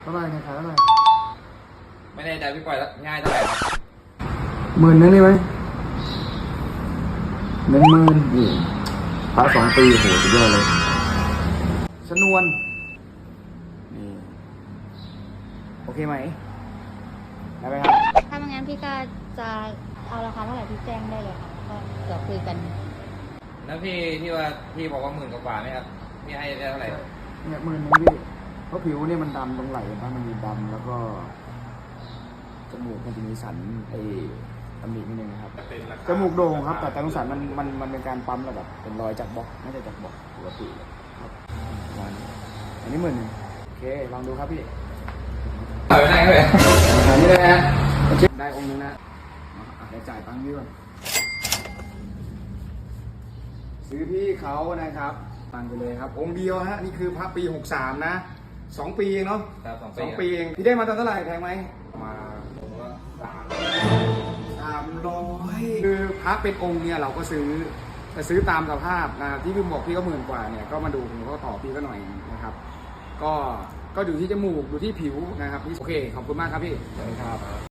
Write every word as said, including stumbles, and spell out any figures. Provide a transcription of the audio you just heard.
เท่าไหร่เนี่ยขายเท่าไหร่ไม่ได้ใจพี่ปล่อยง่ายเท่าไหร่ครับหมื่นนึงได้ไหมหนึ่งหมื่นนี่พระสองปีโหสุดยอดเลยชนวนนี่โอเคไหมได้ไหมครับถ้าไม่งั้นพี่ก็จะเอาราคาเท่าไหร่พี่แจ้งได้เลยค่ะก็เดี๋ยวคุยกันแล้วพี่ที่ว่าพี่บอกว่าหมื่นกว่าไหมครับพี่ให้ได้เท่าไหร่เนี่ยหมื่นนึงพี่เพราะผิวเนี่ยมันดำตรงไหล่นะมันมีดำแล้วก็จมูกมันจะมีสันไอ้ตำหนินิดนึงนะครับจมูกโด่งครับแต่ตรงสันมันมันมันเป็นการปั๊มแล้วแบบเป็นรอยจากบล็อกไม่ใช่จากบล็อกปกติครับประมาณนี้อันนี้หมื่นหนึ่งโอเคลองดูครับพี่ปล่อยไปได้ครับเลยอันนี้เลยฮะได้องค์นึงนะเดี๋ยวจ่ายตังค์พี่ก่อนซื้อพี่เขานะครับตังไปเลยครับองค์เดียวฮะนี่คือพระปีหกสามนะสองปีเองเนาะครับสองสองปีเองพี่ได้มาตอนเท่าไหร่แพงไหมมาผมก็สามสามร้อยคือพระเป็นองค์เนี่ยเราก็ซื้อแต่ซื้อตามสภาพนะที่พี่บอกพี่ก็หมื่นกว่าเนี่ยก็มาดูผมก็ต่อพี่ก็หน่อยนะครับก็ก็ดูที่จมูกดูที่ผิวนะครับโอเคขอบคุณมากครับพี่สวัสดีครับ